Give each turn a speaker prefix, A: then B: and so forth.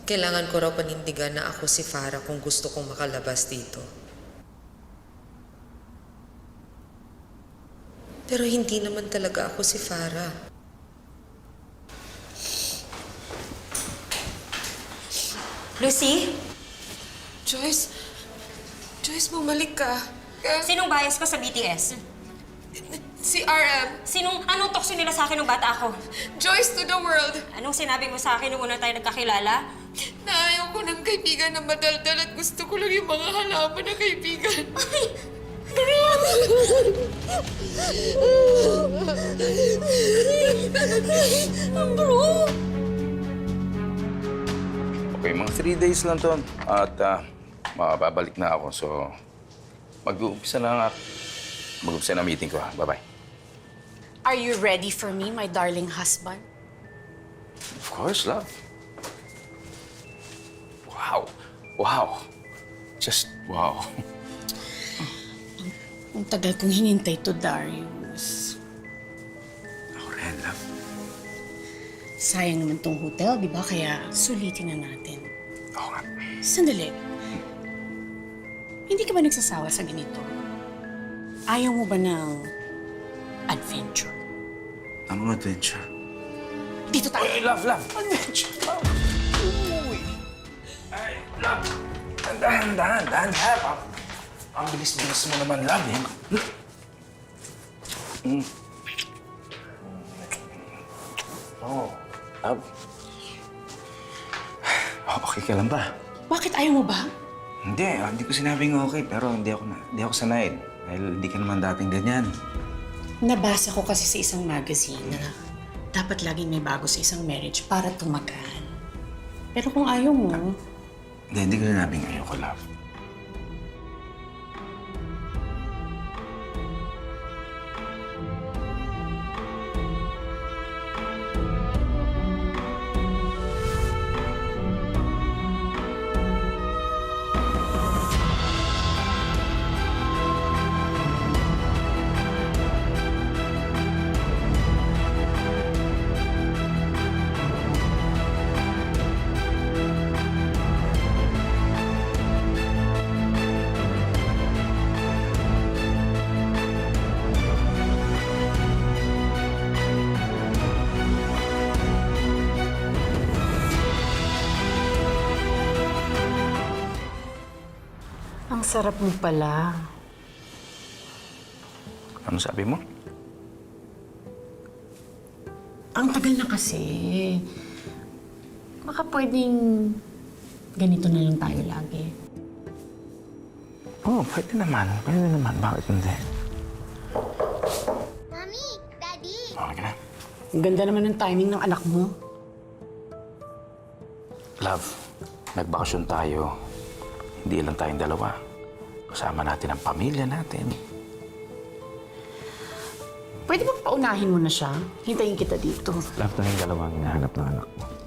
A: Kailangan ko raw panindigan na ako si Farah kung gusto kong makalabas dito. Pero hindi naman talaga ako si Farah.
B: Lucy?
C: Joyce? Joyce, bumalik ka.
B: Sinong bias ko sa BTS?
C: Si RM.
B: Anong tokso nila sa akin nung bata ako?
C: Joyce to the world.
B: Anong sinabi mo sa akin nung una tayo nagkakilala?
C: Na ayaw ko ng kaibigan na madaldal at gusto ko lang yung mga halaman na kaibigan.
B: Bro!
D: Okay, mga 3 days lang to. At makababalik na ako. So, mag-uumpisa na mag-uumpisa na meeting ko. Bye-bye.
E: Are you ready for me, my darling husband?
D: Of course, love. Wow. Wow. Just wow.
E: Ang tagal kong hinintay to, Darius.
D: Ako rin, love.
E: Sayang naman tong hotel, di ba? Kaya sulitin na natin.
D: Oo nga.
E: Sandali. Hindi ka ba nagsasawa sa ganito? Ayaw mo ba ng adventure?
D: Anong adventure?
E: Dito tayo.
D: Ay, love. Adventure, love. Uy. Ay, love. Dahan, love. Ang bilis-bilis mo naman, love, eh. Oh, love. Okay ka lang ba?
E: Bakit ayaw mo ba?
D: Hindi ko sinabing okay, pero hindi ako sanay. Dahil hindi ka naman dating ganyan.
E: Nabasa ko kasi sa isang magazine na dapat laging may bago sa isang marriage para tumagal. Pero kung ayaw mo,
D: Hindi ko sinabing ayoko, love.
E: ang sarap mo pala.
D: Ano sabi mo?
E: Ang tagal na kasi. Baka pwedeng ganito na lang tayo lagi.
D: Oo, pwede naman. Bakit hindi?
F: Mami, Daddy.
D: Okay ka na?
E: Ang ganda naman ng timing ng anak mo.
D: Love, nagbakasyon tayo. Hindi lang tayong dalawa. Kasama natin ang pamilya natin.
E: Pwede ba paunahin mo na siya? Hintayin kita dito.
D: Love, tayong dalawang hinahanap ng anak mo.